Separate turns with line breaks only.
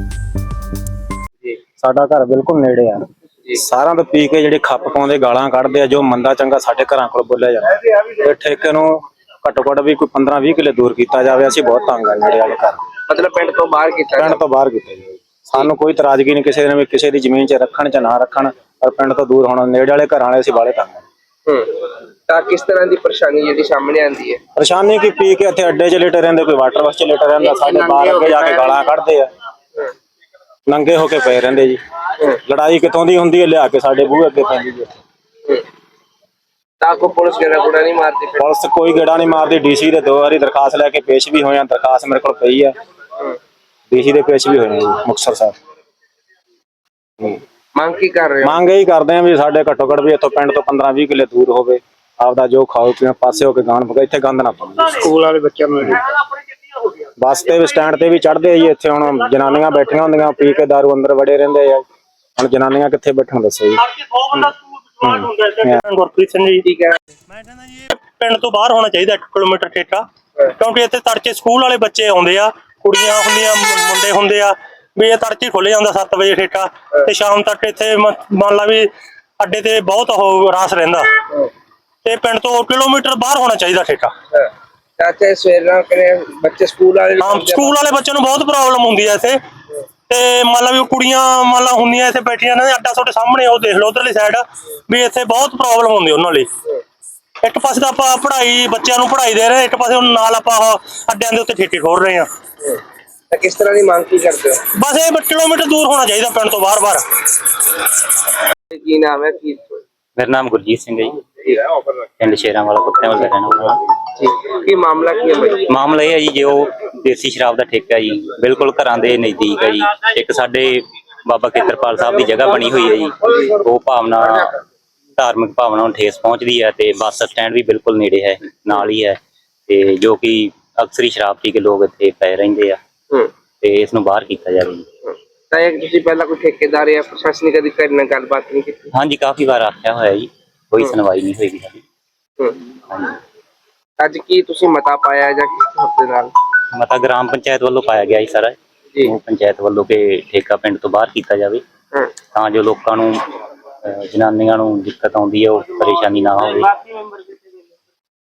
ਜੀ
ਸਾਡਾ ਘਰ ਬਿਲਕੁਲ ਨੇੜੇ ਆ।
ਜੀ
ਸਾਰਿਆਂ ਤੋਂ ਪੀ ਕੇ ਜਿਹੜੇ ਖੱਪ ਪਾਉਂਦੇ ਗਾਲਾਂ ਕੱਢਦੇ ਆ, ਜੋ ਮੰਦਾ ਚੰਗਾ ਸਾਡੇ ਘਰਾਂ ਕੋਲ ਬੋਲਿਆ ਜਾਂਦਾ। ਇਹ ਠੇਕੇ ਨੂੰ ਘੱਟੋ ਘੱਟ ਵੀ ਕੋਈ 15-20 ਕਿੱਲੇ ਦੂਰ ਕੀਤਾ ਜਾਵੇ। ਅਸੀਂ ਬਹੁਤ ਤੰਗ ਆ ਨੇੜੇ ਵਾਲੇ ਘਰ,
ਮਤਲਬ ਪਿੰਡ ਤੋਂ ਬਾਹਰ ਕੀਤਾ
ਪਿੰਡ ਤੋਂ ਬਾਹਰ ਕੀਤਾ ਜਾਵੇ। ਸਾਨੂੰ ਕੋਈ ਇਤਰਾਜ਼ਗੀ ਨਹੀਂ ਕਿਸੇ ਨੇ ਵੀ ਕਿਸੇ ਦੀ ਜ਼ਮੀਨ 'ਚ ਰੱਖਣ ਜਾਂ ਨਾ ਰੱਖਣ, ਪਰ ਪਿੰਡ ਤੋਂ ਦੂਰ ਹੋਣਾ। ਨੇੜੇ ਵਾਲੇ ਘਰਾਂ ਵਾਲੇ ਅਸੀਂ ਬਾਹਲੇ ਤੰਗ ਆ।
ਤਾਂ ਕਿਸ ਤਰ੍ਹਾਂ ਦੀ ਪਰੇਸ਼ਾਨੀ ਜਿਹੜੀ ਸਾਹਮਣੇ ਆਉਂਦੀ ਹੈ?
ਪਰੇਸ਼ਾਨੀ ਕੀ, ਪੀ ਕੇ ਇੱਥੇ ਅੱਡੇ 'ਚ ਲੇਟੇ ਰਹਿੰਦੇ, ਕੋਈ ਵਾਟਰ ਬੱਸ 'ਚ ਲੇਟੇ ਰਹਿੰਦਾ, ਸਾਡੇ ਬਾਹਰ ਅੱਗੇ ਜਾ ਕੇ ਗਾਲਾਂ ਕੱਢਦੇ ਆ, ਨੰਗੇ ਹੋ ਕੇ ਪਏ ਰਹਿੰਦੇ ਜੀ। ਲੜਾਈ ਕਿੱਥੋਂ ਦੀ ਹੁੰਦੀ ਹੈ, ਲਿਆ ਕੇ ਸਾਡੇ ਬੂਹੇ ਅੱਗੇ ਪੈਂਦੀ ਜੀ।
ਤਾਂ ਕੋਈ ਪੁਲਿਸ ਗੇੜਾ ਨਹੀਂ ਮਾਰਦੀ?
ਪੁਲਿਸ ਕੋਈ ਗੇੜਾ ਨਹੀਂ ਮਾਰਦੀ। ਡੀਸੀ ਦੇ 2 ਵਾਰੀ ਦਰਖਾਸਤ ਲੈ ਕੇ ਪੇਸ਼ ਵੀ ਹੋਏ ਆ। ਦਰਖਾਸਤ ਮੇਰੇ ਕੋਲ ਪਈ ਆ, ਡੀਸੀ ਦੇ ਪੇਸ਼ ਵੀ ਹੋਏ ਆ ਜੀ ਮੁਕਤਸਰ ਸਾਹਿਬ।
ਮੰਗ ਕੀ ਕਰ ਰਹੇ ਹੋ?
ਮੰਗ ਇਹੀ ਕਰਦੇ ਆ ਵੀ ਸਾਡੇ ਘੱਟੋ ਘੱਟ ਵੀ ਇੱਥੋਂ ਪਿੰਡ ਤੋਂ 15-20 ਕਿੱਲੇ ਦੂਰ ਹੋਵੇ, ਆਪਦਾ ਜੋ ਖਾਓ ਪੀਓ ਪਾਸੇ ਹੋ ਕੇ ਗਾਣ ਪਕਾ, ਇੱਥੇ ਗੰਦ ਨਾ ਪਾਓ।
ਸਕੂਲ ਵਾਲੇ ਬੱਚਿਆਂ ਨੂੰ
ਬੱਸ ਤੇ ਸਟੈਂਡ ਤੇ ਵੀ ਚੜਦੇ ਆ ਜੀ। ਇੱਥੇ ਹੁਣ ਜਨਾਨੀਆਂ ਬੈਠੀਆਂ ਹੁੰਦੀਆਂ, ਪੀ ਕੇ ਦਾਰੂ ਅੰਦਰ ਵੜੇ ਰਹਿੰਦੇ ਆ। ਹੁਣ ਜਨਾਨੀਆਂ ਕਿੱਥੇ ਬੈਠਣ ਦੱਸੋ ਜੀ।
ਗੁਰਪ੍ਰੀਤ ਸਿੰਘ ਜੀ।
ਠੀਕ ਹੈ,
ਮੈਂ ਕਹਿੰਦਾ ਜੀ ਇਹ ਪਿੰਡ ਤੋਂ ਬਾਹਰ ਹੋਣਾ ਚਾਹੀਦਾ 1 ਕਿਲੋਮੀਟਰ ਠੇਕਾ, ਕਿਉਂਕਿ ਇੱਥੇ ਤੜਕੇ ਸਕੂਲ ਵਾਲੇ ਬੱਚੇ ਆਉਂਦੇ ਆ, ਕੁੜੀਆਂ ਹੁੰਦੀਆਂ, ਮੁੰਡੇ ਹੁੰਦੇ ਆ, ਵੀ ਇਹ ਤੜਕੇ ਖੁੱਲ ਜਾਂਦਾ 7 ਵਜੇ ਠੇਕਾ, ਤੇ ਸ਼ਾਮ ਤੱਕ ਇੱਥੇ ਮੰਨ ਲਾ ਵੀ ਅੱਡੇ ਤੇ ਬਹੁਤ ਉਹ ਰਾਸ ਰਹਿੰਦਾ। ਤੇ ਪਿੰਡ ਤੋਂ 1 ਕਿਲੋਮੀਟਰ ਬਾਹਰ ਹੋਣਾ ਚਾਹੀਦਾ ਠੇਕਾ।
ਚਾਚਾ ਸਵੇਰ ਬੱਚੇ ਸਕੂਲ ਵਾਲੇ
ਸਕੂਲ ਵਾਲੇ ਬੱਚਿਆਂ ਨੂੰ ਬਹੁਤ ਪ੍ਰੋਬਲਮ ਹੁੰਦੀ ਹੈ ਇੱਥੇ। ਤੇ ਮੰਨ ਲਾ ਵੀ ਕੁੜੀਆਂ ਮੰਨ ਲਾ ਹੁੰਦੀਆਂ ਇੱਥੇ ਬੈਠੀਆਂ ਨੇ, ਅੱਡਾ ਤੁਹਾਡੇ ਸਾਹਮਣੇ ਉਹ ਦੇਖ ਲਓ ਉਧਰਲੀ ਸਾਈਡ, ਵੀ ਇੱਥੇ ਬਹੁਤ ਪ੍ਰੋਬਲਮ ਹੁੰਦੀ ਉਹਨਾਂ ਲਈ। ਇੱਕ ਪਾਸੇ ਤਾਂ ਆਪਾਂ ਪੜ੍ਹਾਈ, ਬੱਚਿਆਂ ਨੂੰ ਪੜ੍ਹਾਈ ਦੇ ਰਹੇ, ਇੱਕ ਪਾਸੇ ਹੁਣ ਨਾਲ ਆਪਾਂ ਅੱਡਿਆਂ ਦੇ ਉੱਤੇ ਠੇਕੇ ਖੋਲ ਰਹੇ ਆ।
ਤਾਂ ਕਿਸ ਤਰ੍ਹਾਂ ਦੀ ਮੰਗ ਕੀ ਕਰਦੇ ਹੋ?
ਬਸ ਇਹ 1 ਕਿਲੋਮੀਟਰ ਦੂਰ ਹੋਣਾ ਚਾਹੀਦਾ ਪਿੰਡ ਤੋਂ ਬਾਹਰ।
ਕੀ ਨਾਮ ਹੈ? ਕੀ
ਮੇਰਾ ਨਾਮ ਗੁਰਜੀਤ ਸਿੰਘ ਹੈ ਜੀ, ਪਿੰਡ ਸ਼ੇਰਾਂ ਵਾਲਾ, ਕੁੱਤਿਆਂ ਵਾਲਾ ਰਹਿਣ ਵਾਲਾ।
ਕੀ ਮਾਮਲਾ ਕੀ ਹੈ ਭਾਈ?
ਮਾਮਲਾ ਇਹ ਹੈ ਜੀ, ਜੋ ਦੇਸੀ ਸ਼ਰਾਬ ਦਾ ਠੇਕਾ ਜੀ ਬਿਲਕੁਲ ਘਰਾਂ ਦੇ ਨਜ਼ਦੀਕ ਹੈ ਜੀ। ਇੱਕ ਸਾਡੇ ਬਾਬਾ ਖੇਤਰਪਾਲ ਸਾਹਿਬ ਦੀ ਜਗ੍ਹਾ ਬਣੀ ਹੋਈ ਹੈ ਜੀ, ਉਹ ਭਾਵਨਾ, ਧਾਰਮਿਕ ਭਾਵਨਾ ਨੂੰ ਠੇਸ ਪਹੁੰਚਦੀ ਹੈ। ਤੇ ਬੱਸ ਸਟੈਂਡ ਵੀ ਬਿਲਕੁਲ ਨੇੜੇ ਹੈ, ਨਾਲ ਹੀ ਹੈ। ਤੇ ਜੋ ਕਿ ਅਕਸਰ ਹੀ ਸ਼ਰਾਬ ਪੀ ਕੇ ਲੋਕ ਇੱਥੇ ਪਏ ਰਹਿੰਦੇ ਆ, ਤੇ ਇਸ ਨੂੰ ਬਾਹਰ ਕੀਤਾ ਜਾਵੇ ਜੀ।
ਤਾਂ ਇਹ ਤੁਸੀਂ ਪਹਿਲਾਂ ਕੋਈ ਠੇਕੇਦਾਰ ਜਾਂ ਪ੍ਰਸ਼ਾਸਨਿਕ ਅਧਿਕਾਰੀ ਨਾਲ ਗੱਲਬਾਤ ਨਹੀਂ ਕੀਤੀ?
ਹਾਂਜੀ, ਕਾਫੀ ਵਾਰ ਆਖਿਆ ਹੋਇਆ ਜੀ, ਕੋਈ ਸੁਣਵਾਈ ਨਹੀਂ ਹੋਈ ਸਾਡੀ।
ਅੱਜ ਕੀ ਤੁਸੀਂ ਮਤਾ ਪਾਇਆ ਜਾਂ ਕਿਸ ਹੱਥ ਨਾਲ?
ਮਤਾ ਗ੍ਰਾਮ ਪੰਚਾਇਤ ਵੱਲੋਂ ਪਾਇਆ ਗਿਆ ਜੀ ਸਾਰਾ ਜੀ। ਪੰਚਾਇਤ ਵੱਲੋਂ ਕਿ ਠੇਕਾ ਪਿੰਡ ਤੋਂ ਬਾਹਰ ਕੀਤਾ ਜਾਵੇ, ਤਾਂ ਜੋ ਲੋਕਾਂ ਨੂੰ, ਜਨਾਨੀਆਂ ਨੂੰ ਦਿੱਕਤ ਆਉਂਦੀ ਹੈ, ਉਹ ਪਰੇਸ਼ਾਨੀ ਨਾ ਹੋਵੇ।